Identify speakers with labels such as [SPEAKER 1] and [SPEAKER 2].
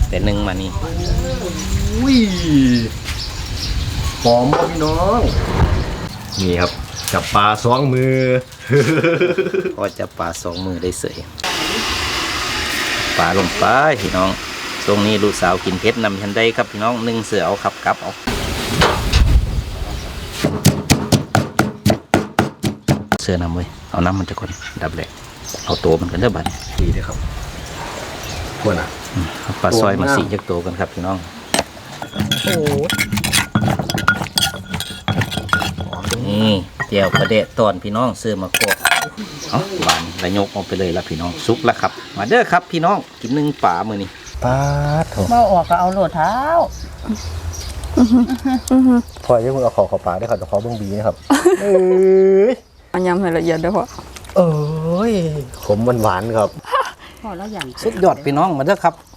[SPEAKER 1] แต่หนึ่งมานี่
[SPEAKER 2] อุ้ยหอมมากพี่น้องนี่ครับจับปลาสองมือ
[SPEAKER 1] ก็จะปลา2 มือได้เสยปลาลงไปพี่น้องช่วงนี้ลูกสาวกินเผ็ดนำฉันได้ครับพี่น้อง1เสือเอาครับกลับเอาเสือนำไว้เอาน้ำมันจะก่อนดับแหลกเอาตัวมันกันเด้อบัด
[SPEAKER 2] ดีเลยครับควรอ่ะ
[SPEAKER 1] เอาปลาซอยมาสีจากตัวกันครับพี่น้อง
[SPEAKER 2] โอ้
[SPEAKER 1] นี่เจียวกระเดะตอนพี่น้องเสือมาโคกเอาหวานระยกออกไปเลยละพี่น้องซุกแล้วครับมาเด้อครับพี่น้องกิน1ป่ามือนี้
[SPEAKER 2] ปลาโถ
[SPEAKER 3] มาออกก็เอาโหลดเท้า
[SPEAKER 2] พอยังมึงเอาขอปลาได้ครับแต่ขอเบิ้งบีนะครับเอ้ย
[SPEAKER 4] อันยำให้ละเอียดเด้อพ่อ
[SPEAKER 2] เอ้ยขมหวานๆครับ
[SPEAKER 3] พอแล้วอย่าง
[SPEAKER 1] สุดยอดพี่น้องมาเด้อครับ